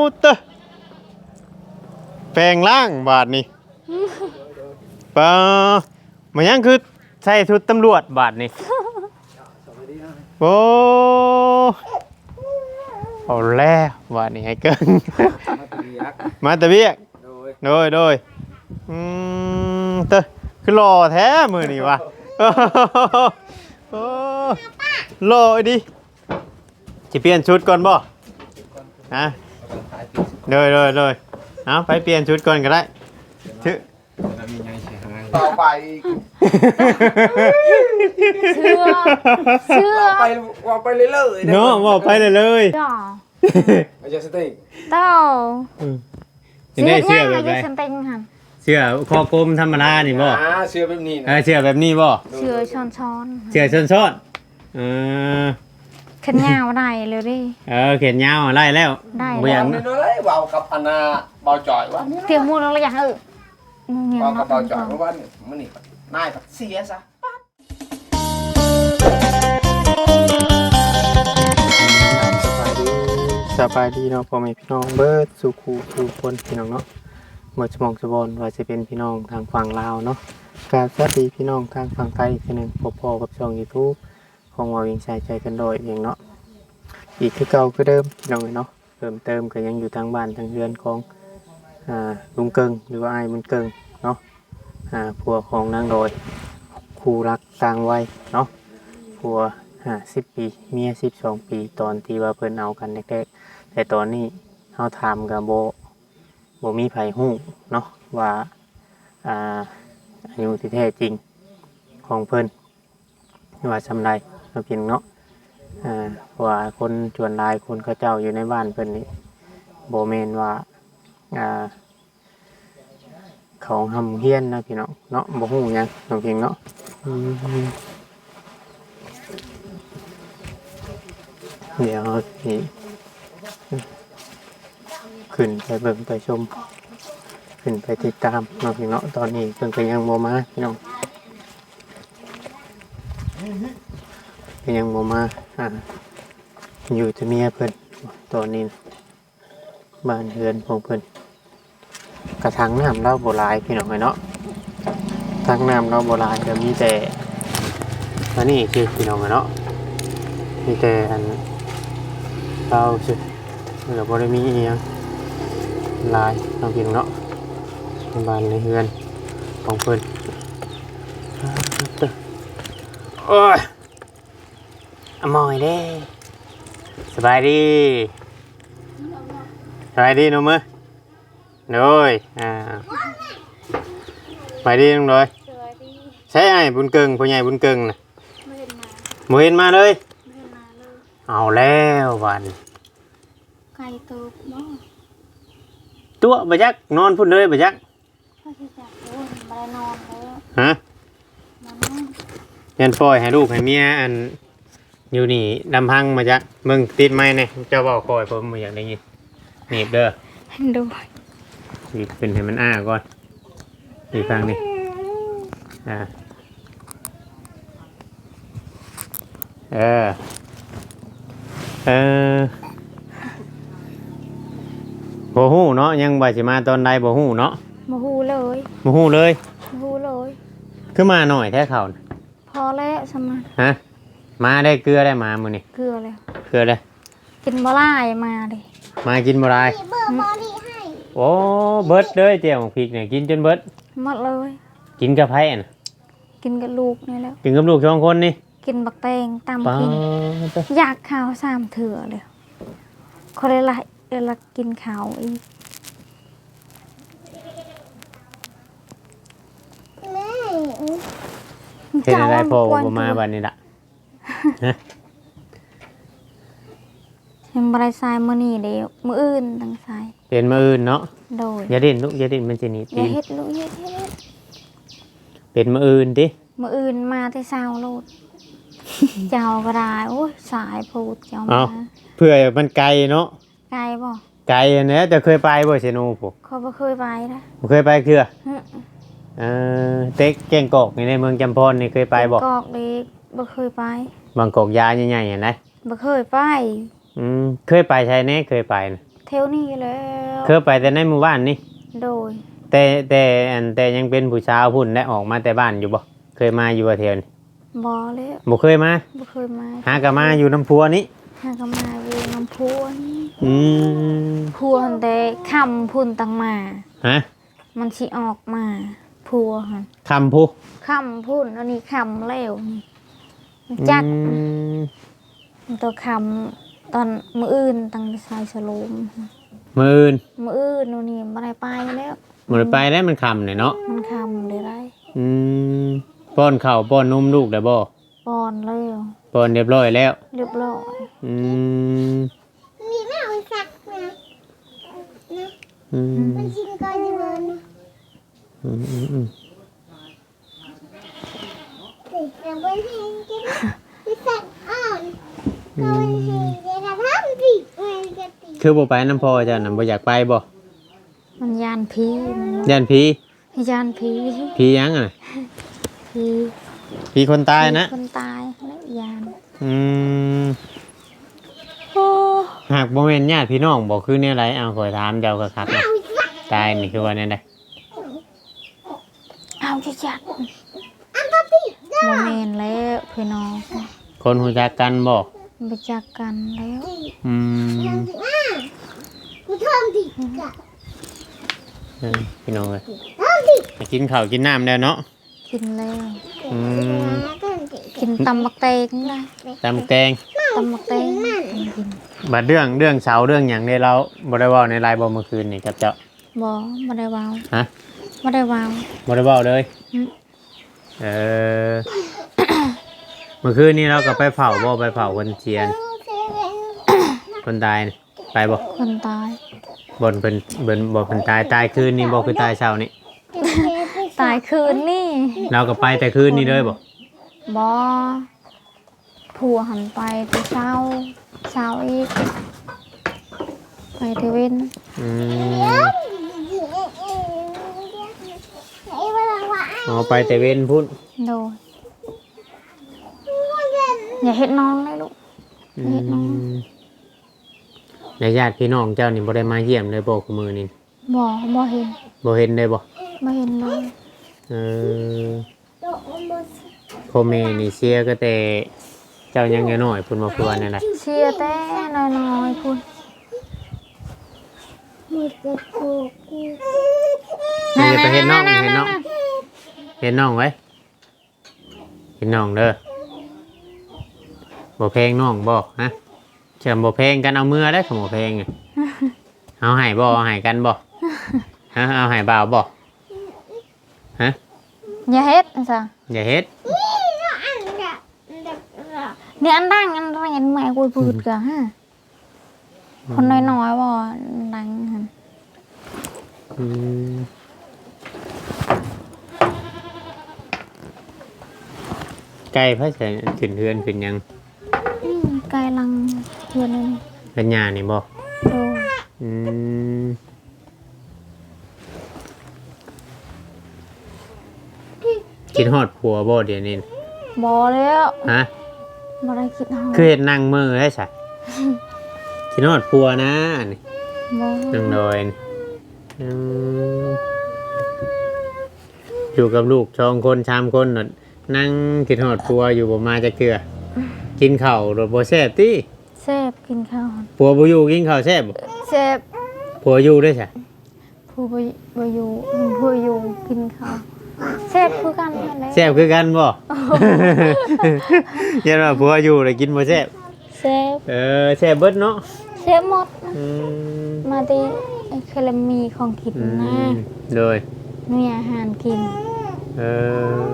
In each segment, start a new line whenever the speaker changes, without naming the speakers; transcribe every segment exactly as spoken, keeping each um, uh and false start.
เตะแปลงร่างบาทนี่ปะมันยังคือใส่ชุดตำรวจบาทนี่โอ้เอาแล้วบาทนี่ให้เกินมาตะเบียกโดยโดยอืมเตะคือหล่อแท้มือนี่วะโอ้หล่อดิจะเปลี่ยนชุดก่อนบ่ฮะเลยเลยเลยเอาไปเปลี่ยนชุดก่อนก็ได้ชื่อ
ต่อไป
เชื่อเชื่อ
ไปว่าไปเลยเลย
เนาะว่าไปเลยเลย
ไม่ใช่สติก
เต้า
เชื่อเชื่อแบบไหนเชื่อคอกลมธรรมดานี่บ่
เชื่อแบบนี้
เออเชื่อแบบนี้บ่
เชื่อช้อนช้อน
เชื่อช้อนช้อนเออ
ขนยาวได้เลยดิ
เออเขียนยาวได้แล้ว
ได้
เบียงนี่เลยเบากับอันน่ะเบาจ่อยวะ
เพียงมูลเราอยากเออ
เบากับเบาจ่อยเพราะว่ามันนี่นายเสียซะ
สบายดีเนาะพ่อแม่พี่น้องเบิร์ดสุขูสุคนพี่น้องเนาะเมื่อสมองสบอนว่าจะเป็นพี่น้องทางฝั่งลาวเนาะกราบสวัสดีพี่น้องทางฝั่งไทยทีหนึ่งพบพอกับช่อง YouTube ของเรายิงใช้ใจกันโดยเองเนาะอีกคือเก่าคือเดิมพี่น้องเนาะเติมเติมก็ยังอยู่ทางบ้านทางเรือนของอ่าลุงเกิงหรือว่าไอ้บุญเกิงเนาะอ่าผัวของนางโดยคู่รักต่างวัยเนาะผัวห้าสิบปีเมียสิบสองปีตอนที่ว่าเพิ่นเอากันแรกๆแต่ตอนนี้เขาถามกับโบโบมีไผฮู้เนาะว่าอ่าอายุที่แท้จริงของเพิ่นว่าสำไรเราเพียงเนาะอ่าว่าคนชวนลายคนเขาเจ้าอยู่ในบ้านเพิ่นนี่โบเมนว่าอ่าของทำเฮี้ยนนะพี่น้องเนาะโบฮู้ยังเราเพียงเนาะเดี๋ยวนี่ขึ้นไปเบิ่งไปชมขึ้นไปติดตามน้องพี่น้องตอนนี้เพิ่งก็ยังโมมาพี่น้องก็ยังโมมาอ่าอยู่ที่เมียเพิ่นตอนนี้บ้านเรือนของเพิ่นกระถางน้ำเราโบราณพี่น้องเนาะทางน้ำเราโบราณจะมีแต่อันนี้คือพี่น้องเนาะมีแต่อันเราสิเราบ่ได้มีอีหยังลายน้องพี่น้องเนาะบ้านในเรือนของเพิ่นโอ้ยอมอยเด้สบายดีสบายดีน้องมื้อโดยอ่าสบายดีน้องโดยใช่ไอ้บุญเกิงพ่อใหญ่บุญเกิงน่ะบ่เห็นมาเลยเอาแล้ววัน
ไก่ตัวบ่
ตัวบ่จักนอนพุ่นเลยบ่จัก
พ่อสิจักโอ้ยบ่ได้นอนแล้ว
ฮะยันปล่อยให้ลูกให้เมียอันอยู่นี่ลำพังมาจักมึงติดไม้เนี่ยเจ้าเว้าคอยผมบ่อยากได้ยินหนีบเด้อ
ดู
หนีบขึ้นให้มันอ้าก่อนอีกครั้งนี่อ่าเออเออบ่ฮู้เนาะยังบ่สิมาตอนใดบ่ฮู้เนาะ
บ่ฮู้เลย
บ่ฮู้เลย
บ่ฮู้เลย
คือมาหน่อยแท้เขา
พอแล้วสมา
ฮะมาได้เกลือได้มามื้อนี้
เกลือแล้ว
เกลือได้
กินบ่หลายมาดิ
มากินบ่ได้
เบิดบ่ดีให้
โอ้เบิดเด้อเจียวพริกเนี่ยกินจนเบิด
หมดเลย
กินกับไผน่ะ
กินกับลูกนี่แล้ว
กินกับลูกสองคนนี่
กินบักแตงตำกินอยากข้าวสามเถื่อเลยคนละละเวลากินข้าวอีก
เห็นอะไรพ่อผมมาบัดนี้ล่ะ
เห็นบรายทรายมื้อนี้เดี๋ยวมื้ออื่นตั้งทราย
เป็นมื้ออื่นเนาะ
โดย
อย่าดิ้นลูกอย่าดิ้นมันสิหนีตีน
อย่าเฮ็ดลูกอย่าเฮ็ด
เป็นมื้ออื่นติ
มื้ออื่นมาแต่เช้าโลดเจ้าก็ได้โอ้ยสายพูดเจ้ามา
เพื่อมันไกลเนาะ
ไกลบ่
ไกลอันนี้แต่เคยไปบ่เซโนพวก
เขาบ่เคยไปนะ
บ่เคยไปคือเออเต็กแกงกอกในเมืองจำพรนี่เคยไปบ่
กอกเด็กบ่เคยไป
บางกอกยาใหญ่ๆเห็นไหม
บ่เคยไป
อืมเคยไปใช่แน่เคยไปนะ
แถเทวนี้แล้ว
เคยไปแต่ในหมู่บ้านนี่
โดย
แต่แต่อันแต่ยังเป็นผู้สาวพุ่นได้ออกมาแต่บ้านอยู่บ่เคยมาอยู่ว่าเที่ยวนี่
บ่แล้ว
บ่เคยมา
บ่เคยมา
หาก็มาอยู่น้ำพัวนี่
หาก็มาอยู่น้ำพุนี่
อืม
พัวหั่นแต่คำพุ่นตังมา
ฮะ
มันสิออกมาพัวหั่น
คำผู้
คำพุ่นอันนี้คำแล้วนี่จัก
อืม
ตัวคำตอนมื้ออื่นตั้งไปใส่สโลม
มื้ออื่น
มื้ออื่นนู่นนี่บ่ได้ไปแล้ว
บ่ได้ไปแล้วมันคำเนี่ยเนาะ
มันคำเลยได้
อืมป้อนข้าวป้อนนมลูกได้บ่
ปอนแล้ว
ป้อนเรียบร้อยแล้ว
เรียบร้อย
อืม
มีแม่เอาสักนะ
อืม
มันชิงก่อนอยู่เลยนะ
อืมอืมอืม
เด็กจะไปให้กินมีสักอ่อนก็ไปให้เด็กทำผิดมันจะตี
คือบ่ไปน้ำพ่อเจ้าน่ะบ่อยากไปบ่
มันยานผีมัน
ย่านผี
ยานผี
ผีหยังอ่ะ
ผี
ผีคนตายนะ
คนตายและยาน
อืม
โอ้
หากบ่แม่นญาติพี่น้องบ่คือแนวไรเอาขอยถามเจ้าก็คักนะตายนี่คือว่าแนวใด
เอาจะจัด
อันตติ
โมเมนแล้วพี่น้อง
คนรู้จักกันบ่
ไปจักกันแล้ว
อืม
ยังสิอ่ะกูทำผิดกะ
เออพี่น้องเอ้ย
ทำผิด
ไปกินข้าวกินน้ำแล้วเนาะ
กินแล้ว
อืม
กินตำบักเตงได้
ตำแตง
ตำบักเตงกิน
บัดเรื่องเรื่องเสาเรื่องหยังได้เราบ่ได้เว้าในไลน์บ่เมื่อคืนนี่กับเจ้า
บ่บ่ได้วาว
ฮะ
บ่ได้วาว
บ่ได้เว้าเลย
อืม
เออ เมื่อคืนนี้เราก็ไปเผาบ่ไปเผาคนเทียน คนตายนี่ไปบ่
คนตาย
บนเป็นเบิ่นบ่เพิ่นตายตายคืนนี้บ่คือตายเช้านี่
ตายคืนนี่
เราก็ไปแต่คืนนี้เลยบ่
บ่ผัวหันไปแต่เช้าเช้าอีกไปเทเว่น
อืมอ๋อไปแต่เว้นพุ่น
โดยอย่าเฮ็ดน้องเลยลูก
อื
เฮ็ดน้อง
มแล้วญาติพี่น้องเจ้านี่บ่ได้มาเยี่ยมเลยบ่คือมื้อนี้
บ่บ่เห็น
บ่เห็นเลยบ่
บ่เห็นเลย
เออพ่อแม่นี่เสียก็แต่เจ้ายังน้อยๆพุ่นบ่คือว่าแนั่นแหละ
เชียร์แต่น้อยๆพุ่น
มือจะโกกู
นี่จะไปเห็นน้องเห็นน้องเห็นน้องไว้เห็นน้องเด้อบ่เพลงน้องบ่ฮะเชื่อมบ่เพลงกันเอามือได้อขโมยเพลงอะเอาให้บ่เอาให้กันบ่ฮะเอาให้บ่าวบ่ฮะ
อย่าเฮ็ดซะ
อย่าเฮ็ด
อันเด็กเด็ก
เนี่ยอันดังอันดังอันใหม่กูพูดกะฮะคนน้อยๆบ่ดังหั่น
อืมไก่พระเสนขึ้นเฮือนขึ้นหยัง
อืมไกลลังเพื่อนนี่
เป็นหญ้านี่บ่
โดย
อืมคิดฮอดผัวบ่เดี๋ยวนี้
บ่แล้ว
ฮะ
บ่ได้คิดเฮา
คือเห็นนั่งมือได้ใช่คิดฮอดผัวนะนี่
บ่
นั่งโดยนี่อืมอยู่กับลูกสองคนสามคนน่ะนั่งคิดฮอดผัวอยู่บ่มาจะเกลือ กินข้าวรถบ่แซ่บติ
แซ่บกินข้าว
ผัวบ่อยู่กินข้าวแซ่บบ่
แซ่บ
ผัวอยู่ได้ใช่
ผู้บ่บ่อยู่ผู้อยู่กินข้าวแซ่บคือกันนั่นแหละ
แซ่บคือกันบ่ ยันว่าผัวอยู่แล้วกินบ่แซ่บ
แซ่บ
เออแซ่บเบิดเนาะ
แซ่บหมดนะ
อืม
มาติไอ้เคลมีของกิน
อื
นะ
มโดย
มีอาหารกิน
เออก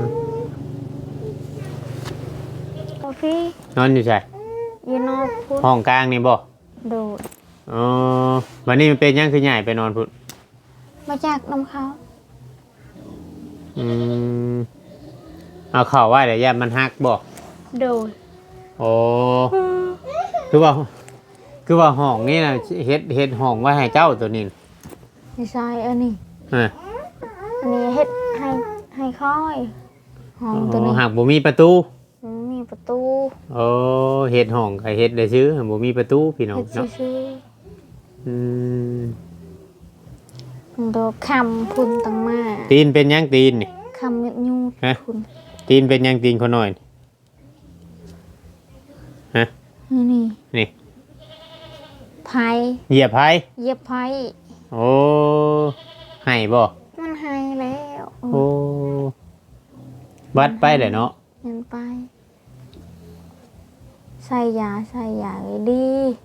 าแฟ
นอนอยู่ใช่
อยู่นอกพุทธ
ห้องกลางนี่บ่
โดด
อ๋อวันนี้มันเป็นยังคือใหญ่ไปนอนพุ่น
มาจากน้ำเขา
อืมเอาเข่าไว้เดี๋ยวย่ามันหักบ่
โดด
โอ้คือว่า คือว่าห้องนี่นะเฮ็ดเฮ็ดห้องไว้ให้เจ้าตัวนี้
ไม่ใช่อันนี้
เออ
อันนี้เฮ็ดให้ให้ค่อยห้องตัวนี้
หักบ่มีประตู
มันมีประตู
โอ้เฮ็ดห้องก็เฮ็ดได้ซื้อบ่มีประตูพี่น้อง
เฮ็ด
เนาะ
ซื่อ
ออืม
ตัวคำพุ่นตังมา
ตีนเป็นหยังตีนนี่
คำยุดยูด
ฮะ
พุ่น
ตีนเป็นหยังตีนคนน้อยนี่ฮะ
นี่นี่
นี่
ไผ่
เหยียบไผ
เหยียบไผ่
โอ้ให้บ่
มันหายแล้ว
โอ้บัดไปเลยเนาะ
เงินไป ใส่ยาใส่ยาเลยดี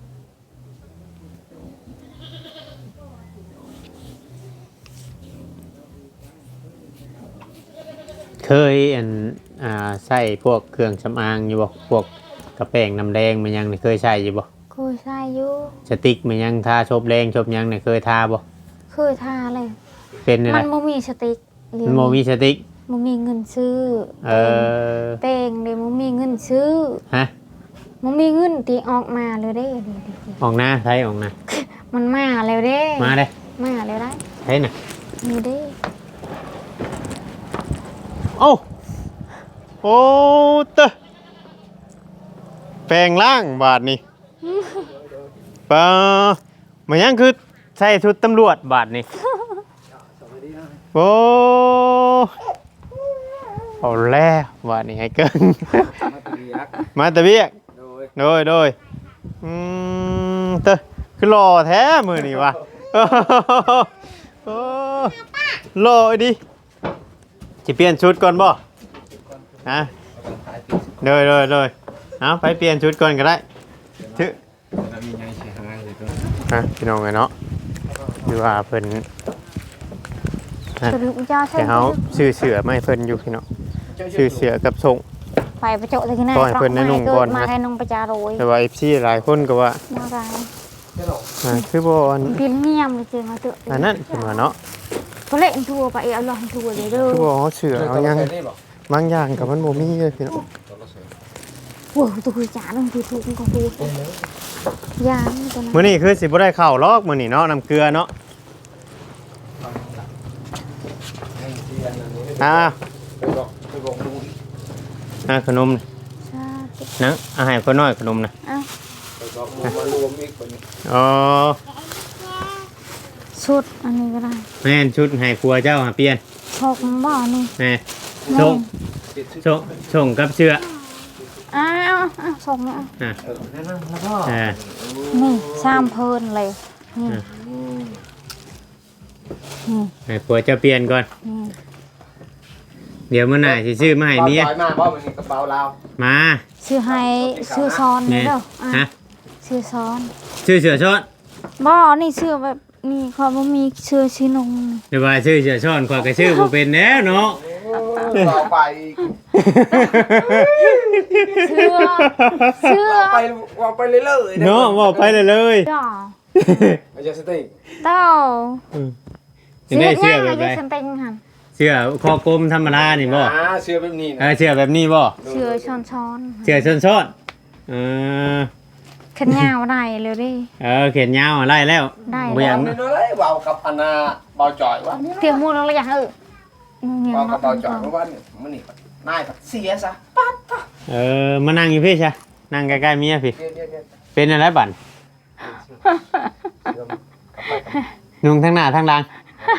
เคยอันอ่าใส่พวกเครื่องสำอางอยู่บ่พวกกระแป้งน้ำแดงมันยังนี่เคยใส่อยู่บ่
คุยใส่อยู่
สติ๊กมันยังทาชบแรงชบหยังนี่เคยทาบ่
คือทาเลย
เป็นนี่
มั
นะ
นบ่มีสติกเดี๋ยว
มันบ่มีสติ๊ก
บ่มีเงินซื้อ
เออ
เป้งเดี๋ยวบ่มีเงินซื้อ
ฮะ
บ่มีเงินตีออกมาเลยเด้เดี๋ยว
ออกหน้าใช้ออกหน้า
ๆมันมาแล้วเด้
มาเด้
มาแล้วได้
ใช้น่ะ
นี่เด้
โอ้โอ้เตะแปลงร่างบาทนี่ปะมันยังคือใส่ชุดตำรวจบาทนี่โอ้เอาแล้วบาทนี่ให้เกิน มาตะเบียกโดยโดยอืมเตะคือหล่อแท้มือนี่วะโอ้หล่อดิจะเปลี่ยนชุดก่อนบ่ฮะโดยโดยโดยเอาไปเปลี่ยนชุดก่อนก็ได้ชื่อฮะพี่น้องไงเนาะคือว่าเพิ่น
สรุปจะใช่
แต่เขาซื้อเสือไม่เพิ่นอยู่พี่น้องซื้อเสือกับส่ง
ไปประโจทย์ที่ไหน
ปล่อยเพิ่นให้นุ่งก่อนนะ
มาให้นุ่งประจาโรย
แต่ว่า เอฟ ซี หลายคนก็ว่า
มาไร
อ่าคือบ่อัน
พิลเนียมเลยเจอมาเจอ
อันนั้นเพิ่นว่าเนาะ
เขาเล่นทัวร์ไปเอาลองทัวร์เลยเด้อ
คือบ่เอาเสือเอาหยังบางอย่างก็มันบ่มีเลยพี่น้อง
โว้ตัวคือจ๋าต้องคือถูกของดูยางตัวนั้น
มื้อนี้คือสิบ่ได้ข้าวลอกมื้อนี้เนาะน้ำเกลือเนาะอ่า
ไปบอกไปบอกลุง
อ่าขนม
ชาติ
นังอาหารคนน้อยขนมนะ
อ้าว
ไปบอกลุงมารวมอีกคนนี้
อ๋อ
ชุดอันนี้ก็ได้
แม่นชุดให้ครัวเจ้าหาเปลี่ยน
ชกบ่อนี่
แม่ส่งส่งส่งกับเชือ
อ้าวอ้าวส่งเนี่ย
อ่ะ
เออนั่นนั่นแล้วก็
อ่า
นี่ชามเพลินเลยนี่นี่
ให้ครัวเจ้าเปลี่ยนก่อน
นี่
เดี๋ยวมื้อหน้าสิซื้อมาให้เมีย
เบามาบ่มันนี่กระเป๋าเรา
มา
ชื่อให้ชื่อซ้อนนี่
แม่
เด้ออ่ะ
ฮะ
ชื่อซ้อน
ชื่อเสือช้อน
บ่นี่ชื่อแบบนี่เขาบ่มีชื่อชื่อนงนี่
เดี๋ยวว่าชื่อเสือช้อนข้อยก็ชื่อบ่เป็นแน่เนาะ
ต่อไป
เชื่อเชื่อ
ไปว่าไปเรื่อยๆ
เนาะบอกไปเลยเลย
จ้า
ไม่ใช่สติ
เต้า
จะได้เชื่อแบบ
ไร
ไร
ฉันเต็งหัน
เชื่อคอกลมธรรมดานี่บ่
อ่าเชื่อแบบนี้
เอ
นะ
อเชื่อแบบนี้บ่
เชื่อช้อนช้อน
เชื่อช้อนช้อนเออ
ขันยาวได้เลยดิ
เออเขียนยาวอะไรแล้ว
ได้
บ่อยาก
นี่เลยเบากับอันน่ะเบาจ่อยว่า
เตรียมมูลแล้วอย่างเออเงี้ย
เบากับ
มา
เบาจ่อยเพราะว่านี่มันนี่นายก็เสียซะปั๊บปั๊บ
เออมานั่งอยู่พี่ใช่นั่งใกล้ๆเมียพี่
เดี๋ยวเดี๋ยวเดี๋ยว
เป็นอะไรบั่น
เดี๋ยวกลับไปกัน
นุ่งทั้งหน้าทั้งหลัง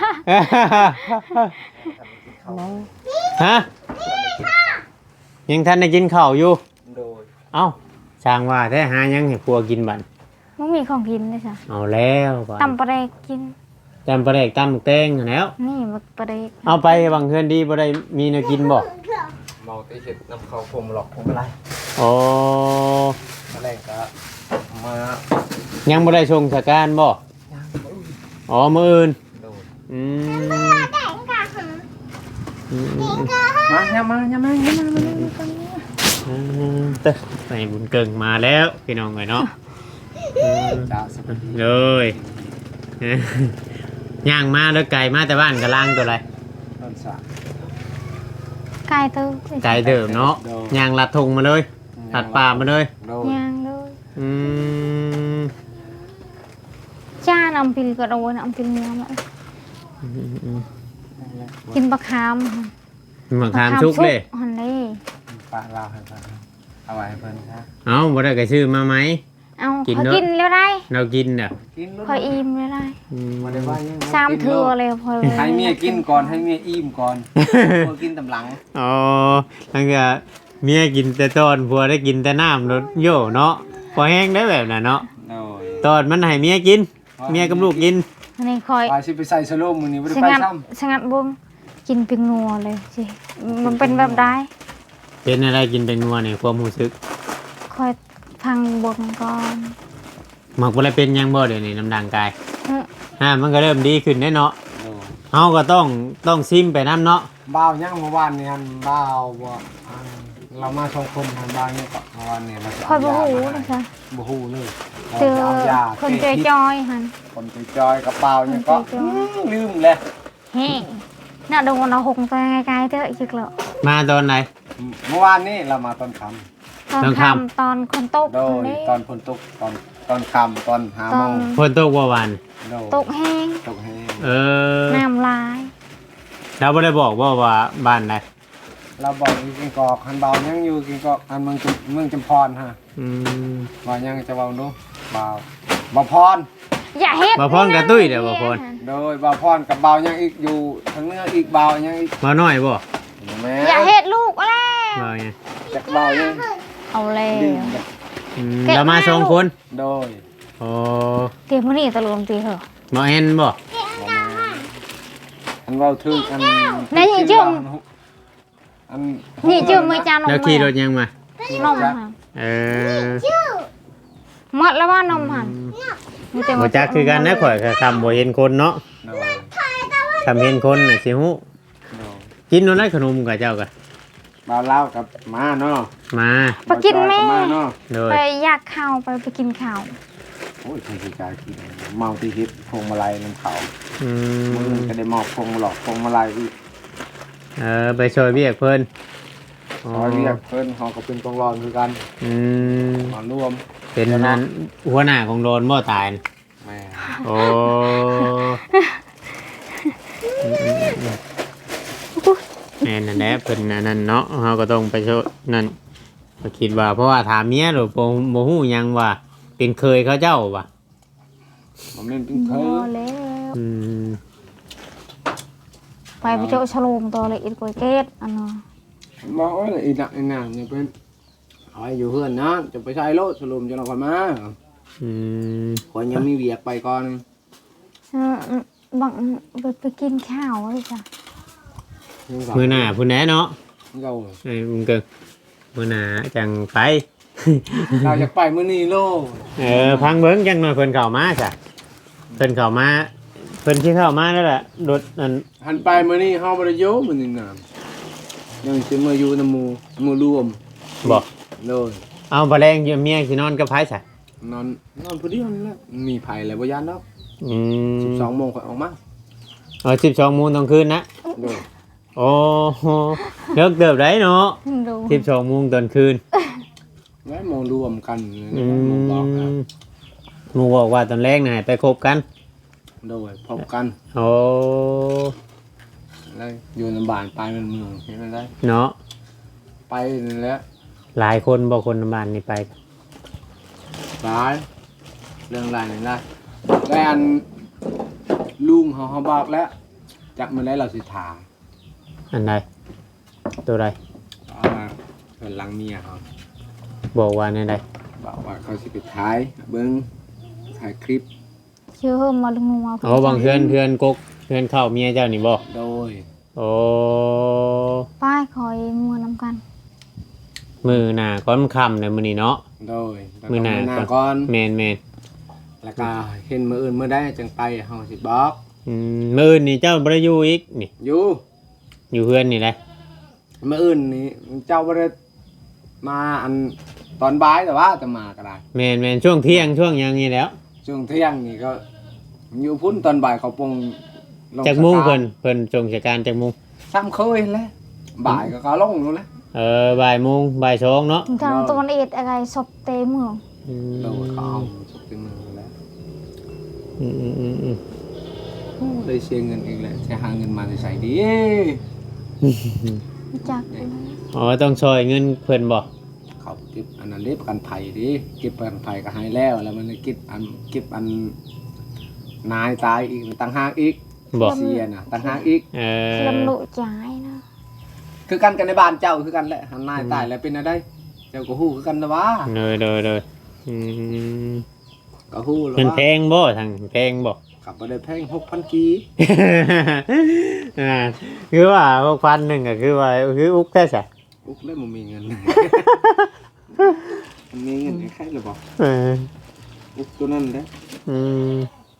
ฮะยังท่านได้กินข้าวอยู่
โดย
เอ้าช่างว่าแท้หายังให้ครัวกินบั่น
มันมีของกินด้วยจ้ะ
เอาแล้วบั่น
ตำปลาเด็กกิน
จำปลาแดกตำแตงหั้นแหล้ว
นี่มันปลาเด็ก
เอาไปบางเพื่อนดีบ่ได้มีแนวกินบ่
เมาตีเห็ดน้ำเขาผมหลอกผมอะไร
โอ้
อะไรก็มา
ยังบ่ได้ชงสการบ่อ๋อมื้ออื่น
โดย
อืมอืม
มาอย่ามาอย่ามาอย่ามา
อืมเต้อไปบุญเกิงมาแล้วพี่น้องเอ้ยเนาะอืม
จ้าสวัสดี
เลยย่างมาแล้วไก่มาแต่บ้านกะล่างตัวอะไร
ต้นสา
ไก่ตื้อ
ไก่เดิมเนาะย่างลัดทงมาเลยตัดป่ามาเลย
โดย
ย่างเลย
อืม
จ้านำพิลก็โดนนำพิลเนื้อมา
อืมอืม
กินปลาคาม
หมักขามชุกเลย
หันนี่
ป้าเล่าให้ฟังเอาไว้ให้เพิ่นครับ
เอ้าบ่ได้ก็ชื่อมาไหม
เอา
กิน
คอย
เนอะ
กินแล้วได้
เรากินน่ะ
กินแล้ว
คอยอิ่มแล้วได้
อืม
มาได้ว่ายัง
สามเทื่อเลยพอเลย
ให้เมียกินก่อนให้เมียอิ่มก่อนพอกินตำหลัง
อ๋อนั่นก็เมียกินแต่ตอนผัวได้กินแต่น้ำรถโย่เนาะพอแห้งได้แบบน่ะเนาะ
โอ้ย
ตอนมันให้เมียกิน เมียกับลูกกิน
อันนี้คอย
ไปสิไปใส่สโลมมื้อนี้บ่ได้
ชะ
ไป
งัด
ซ้ำ
ชะงัดบุ้งกินเป็นนัวเลยสิมันเป็นแบบได้
เป็นอะไรกินเป็นนัวเนี่ยความรู้สึก
คอยพังบนก่อน
หมักบ่ได้เป็นหยังบ่เดี๋ยวนี้น้ำดังกาย
อื้อ
ฮะมันก็เริ่มดีขึ้นแน่เนาะ
โอ้ย
เฮาก็ต้องต้องซิมไปน้ำเนาะ
บ่าวยังเมื่อวานนี่ฮันบ่าวบ่อันเรามาสองคนฮันบ่าวนี่ก็เมื่อวานนี่เราจะ
คอย
เา
บ่
ยา
หู
มาให้
นะจ๊ะ
บ่ฮู้เลย
เจอ
เอายา
คนจ
แก้
อย
พิษ
จอยๆหัน
คนจอยๆกระเป๋าเนี่ยก็
คนจอยๆ
อืมลืมเลย
เฮ้น่าโดนเอาหงตัวไกลๆเถอะอีกแล้ว
มาตอนไหน
เมื่อวานนี่เรามาตอนค่
ตอน
ตอน
ค่ำ
ค่ำ
ตอนคนตก
ำโดย
นี่
ตอนฝนตกตอนตอนค่ำตอนหา
ต
โม
อน
ง
ฝนตกว่าวัน
โดย
ตกแห้ง
ตกแห้ง
เออ
น้ำลาย
เราบ่ได้บอกว่าว่าบ้านใด
เราบอกอยู่กินกอกฮันเบายังอยู่กินกอกฮันเมืองจุเมืองจำพรฮะ
อืม
เบายังจะเบาดูเบาเบาพร
อย่าเฮ็ด
บ่พรกับตุ้ยเด้อบ่พร
โดยเบาพรกับเบายังอีกอยู่ทางเหนื้ออีกเบายังอีก
มาน้อยบ่
แม่
อย่าเฮ็ดลูกแล้ว
บ่ไง
จากเบายัง
เอาแล้ว
ดื่มเลย
อืม
แกะ
เรามา
มา
สอง
ลูก
คน
โดย
โอ้
เตรียมมื้อนี้ตะลมตีเหรอ
บ่เห็นบ่
อันเบาถึงอัน
ไหนยังจุ่ม
อัน
นี่จืมมือจานนม
แล้วขี่รถยังมา
นมค่ะ
เออ
หมดแล้วว่านมหันมีแต่
บ่จักคือกันนะข่อยก็คำบ่เห็นคนเนาะ
โดย
คำเห็นคนน่ะสิฮู้
โดย
กินโน่นได้ขนมกับเจ้าก็
เบาเล่ากับมาเนาะ
มา
ไปกินแม่
เบาจอยบมาเนาะ
โดย
ไปอยากข้าวไปไปกินข้าว
โอ้ยคนที่กายกินเมาที่ฮิตพวงมาลัยน้ำเขา
อื
มือ
ม
ก็ได้มอบพวงมาหลอกพวงมาลัยอีก
เออไปช่วยเบียกเพิ่น
ซอยเรียกเพิ่นเขาก็เป็นกองรอนคือกัน
อืม
มาร่วม
เป็นนั้นหัวหน้าของโดนบ่ตายน่ะ
แม่
โอ้แม่นนั่นแหละเพิ่นอันนั่นเนาะเฮาก็ต้องไปช่วยนั่นก็คิดว่าเพราะว่าถามเมียหรือบ่บ่ฮู้หยังว่า เป็นเคยเขาเจ้าว่ะ
ผมเล่นเป็น
พ
เค
อย แล้ว
อืม
ไปไปเจอฉลมตัวเลยอีกกวยเกตอันเนาะ
บอกว่าอีหนักอีนางเนี่ยเป็นเอาไว้อยู่เพื่อนนะจะไปใช้รถสรุปจะเราก่อนมา
อืม
คนยังมีเวียกไปก่อน
เออบังไปไปกินข้าวเลยจ้ะ
มื้อหน้าพุ่นแหน่เนาะ
เรา
ไอ้มึงเกิงมื้อหน้าจังไป
เราจะไปมื้อนี้โล
เออพังเบิ้งจังหน่อยเพิ่นเข้ามาจ้ะเพิ่นเข้ามาเพิ่นที่เข้ามานั่นแหละรถนั่น
หันไปมื้อนี้เฮาบ่ได้อยู่มื้อนี้น่ะยังสิมาอยู่นำหมู่หมู่รวม
บอก
โดย
เอาบ่แรงอยู่เมียสินอนกับไผซะ
นอนนอนผู้เดียวนี่แหละมีไผแล้วบ่ยานดอก
อืม
สิบสองโมงค่อยออกมา
เออสิบสองโมงตอนคืนนะ
โดย
โอ้โหเลิกเติบได้เนาะ
ดู
สิบสองโมงตอนคืน
ไว้มองรวมกัน
อื
มองบอกนะ
มหมูบอกว่าตอนแรกน่ะให้ไปคบกัน
โดยพบกัน
โอ้
แล้วอยู่ในบ้านไปมันเมืองเห็นไหมได้
เนาะ
ไปนี่แหละ
หลายคนบ่คนบ้านนี่ไป
หลายเรื่องหลายนี่ได้แล้วอันลุงเขาเขาบอกแล้วจักมันได้เราสิถาม
อันใดตัวใด
เอามาเพิ่นหลังเมียเขา
บอกว่าในใด
บอกว่าเขาสิไปถ่ายเบิ่งถ่ายคลิป
เชื่อมาลงมา
โอ้บางเพื่อนเพื่อนกกเพื่อนเข้าเมียเจ้านี่บ่
โดย
โอ้
ป้ายคอยมัวนำกัน
มือหน้าก้อนค่ำในมื้อนี้เนาะ
โดยแล้ว
มื้อหน้า
ก็ก่อน
แม่นแม่น
แล้วก็เห็นมื้ออื่นมื้อใดจังไปเฮาสิบอก
อืมมื้ออื่นนี่เจ้าบ่ได้อยู่อีกนี่
อยู่
อยู่เพื่อนนี่แหละ
มื้ออื่นนี่เจ้าบ่ได้มาอันตอนบ่ายแต่ว่าจะมาก็ได้
แม่นแม่นช่วงเที่ยงช่วงหยังนี่แหล้ว
ช่วงเที่ยงนี่ก็อยู่พุ่นตอนบ่ายเขาปงลง
จากมุง
สตา
เพิ่
ร์
นเพิ่นจงจากการจากมุง
ซ้ำเคยแหล้วบ่ายก็เขาลงนู่นแหละ
เออบ่ายโมงบ่ายสองเนาะ
ทางตะวันเอ็ดอะไรศพเตเมือง
อืม
เราเขาเอาสุกเป็นมือแล้ว
อืมอืมอืมอืม
เลยเสียเงินอีกแล้วจะหาเงินมาจะใส่ดี
จักเลย
อ๋อต้องช่วยเงินเพิ่นบ่
เเขาเก็บอันนั้นเล็บประกันภัยดิเก็บประกันภัยก็ให้แล้วแล้วมันเก็บอันเก็บอันนายตายอีกต่างหากอีก
บ่
เสียน่ะต่างหากอีก
เออ
ลำลุจ่ายนะ
คือกันกันในบ้านเจ้าคือกันแหละหันนายตายแล้วเป็นอะไรเจ้าก็ฮู้คือกันนะวะ
เลยเลยเลยอืม
ก็ฮู้แล้ว
มัน
ว่า
แพงบ่ทางแพงบ่
ขับบ่ได้แพงหกพันกี
อ่าคือว่าพวกพันหนึ่งก็คือว่าคืออุกแค่ใช่
อุ๊กแล้วมันมีเงิน มันมีเงินใครหรือบ่
เออ
อุ๊กตัวนั้นเด้
อืม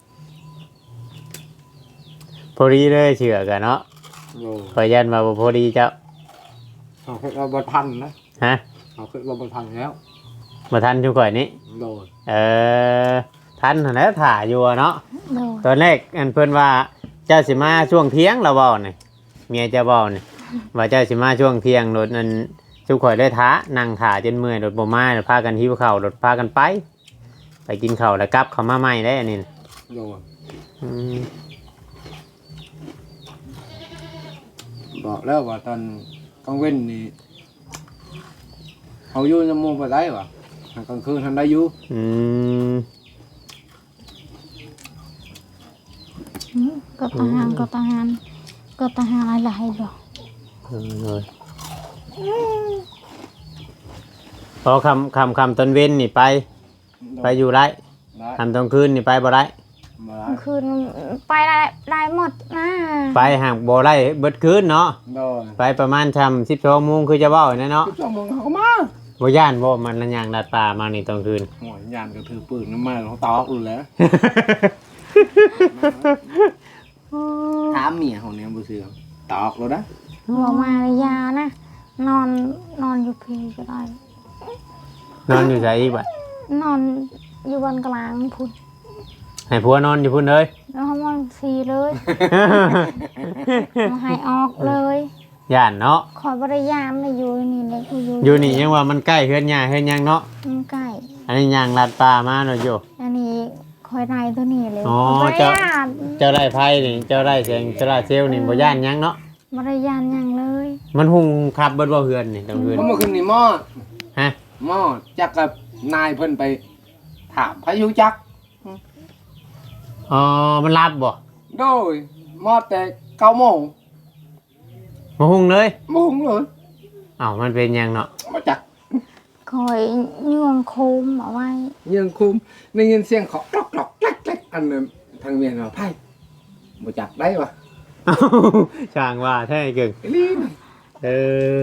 พอดีเลยเชื่อกันเนาะ
โอ้
ขอยันมาบ่พอดีเจ้า
เอาเคยว่าบ่ทันนะ
ฮะ
เอาเคยว่าบ่ทันแล้ว
มาทันชุก่อยนี้
โดน
เออทันหั่นแหล้วถ่าอยู่อะเนาะ
โดย
ตอนแรกอันเพิ่นว่าเจ้าสิมาช่วงเที่ยงเราเว้านี่เมียเจ้าเว้านี่ว่าเจ้าสิมาช่วงเที่ยงรถนั้นชุข่อยได้ท้านั่งถ่าจนเมื่อยรถบ่มาแล้วพากันหิวข้าวรถพากันไป ไปกินข้าวแล้วกลับเข้ามาใหม่ได้อันนี้น่ะ
โดน
อืม
บอกแล้วว่าตอนกลางเว้นนี่เอาอยู่น้ำมูกบ่ได้ว่ะกลางคืนทันได้อยู่
อืม
อืมก็ทหารก็ทหารก็ทหารอะไรบ่
เออเลยพอคำคำคำตอนเว้นนี่ไป ไปอยู่ไร
ได้
คำตอนคืนนี่ไปบ่ได้
บ่ได้
คืนไปได้ได้หมดนะ
ไปหากบ่ได้เบิดคืนเนาะ
โดน
ไปประมาณชำสิบสองโมงคือจะเว้าแน่เนาะ
สิบสองโมงเขาก็มา
บ่ย่านบ่มันละยางดัดป่ามานี่ตอนคืน
หัวยานก็ถือปืนน้ำมันเขาตอกอยู่แล้วถามเมียของเนี่ยบ่เชื่อตอกแล้วนะ
บอกมาระยานะ นอนนอนอยู่พีก็ได้
นอนอยู่ไสอีกบัด
นอนอยู่บนกลางพุ่น
ให้ผัวนอนอยู่พุ่นเลย
แล้วเขามันซีเลยมาให้ออกเลย
ย่านเนาะ
คอยบริยามเลยอยู่นี่เลยกูอยู่
อยู่นี่ยังว่ามันใกล้เฮือนหญ้าเฮือนหยังเนาะ
มันใกล้
อันนี้ยางลัดป่ามาเนาะโย
อันนี้คอยนายตัวนี้เลย
อ๋อ
บ่ได้
เจ้า
ยาน
เจ้าได้ไพ่นี่เจ้าได้เสียงเจ้าได้เซลลนี่บ่ย่านหยังเนาะ
บริยานหยังเลย
มันหุงขับเบิดบ่เฮือนนี่ตอนคืน
เพราะเมื่อคืนนี่หม้อ
ฮะ
หม้อจักกับนายเพิ่นไปถามพายุจัก
อ๋อมันรับบ่
โดยหม้อแต่เก้าโมง
มาหุงเลย
โมงเลย
อ้าวมันเป็นหยังเนาะ
มาจัก
คอยยวงโคมเอาไว้
ยังคุมได้ยินเสียงเคาะกรอกกรอกแกล้กแกล้กอันนั้นทางเมียเราไพ่มาจักได้ปะ
อ้าวช่างว่าแท้เก่ง
ไอ้ลีน
เออ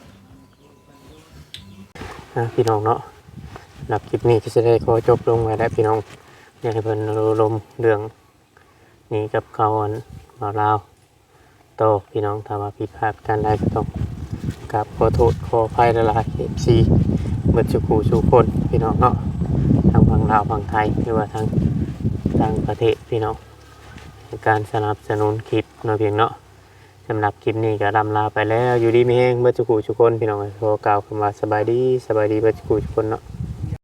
อ่ะพี่น้องเนาะหลับคลิปนี้ก็จะได้ขอจบลงไว้แล้วพี่น้องอยากให้เพิ่นรู้ลมเรื่องนี้กับเขาอันบ่าวลาวโตพี่น้องถ้าว่าผิดพลาดกันได้ก็ต้องกราบขอโทษขออภัยละลาย เอฟ ซี เบิดสุขูสุคนพี่น้องเนาะทางฝั่งลาวฝั่งไทยหรือว่าทางต่างประเทศพี่น้องในการสนับสนุนคลิปเนาะเพียงเนาะสำหรับคลิปนี้ก็ลำลาไปแล้วอยู่ดีมีแห้งเบิดสุขูสุคนพี่น้องขอกล่าวคำว่าสบายดีสบายดีเบิดสุขูสุคนเนาะ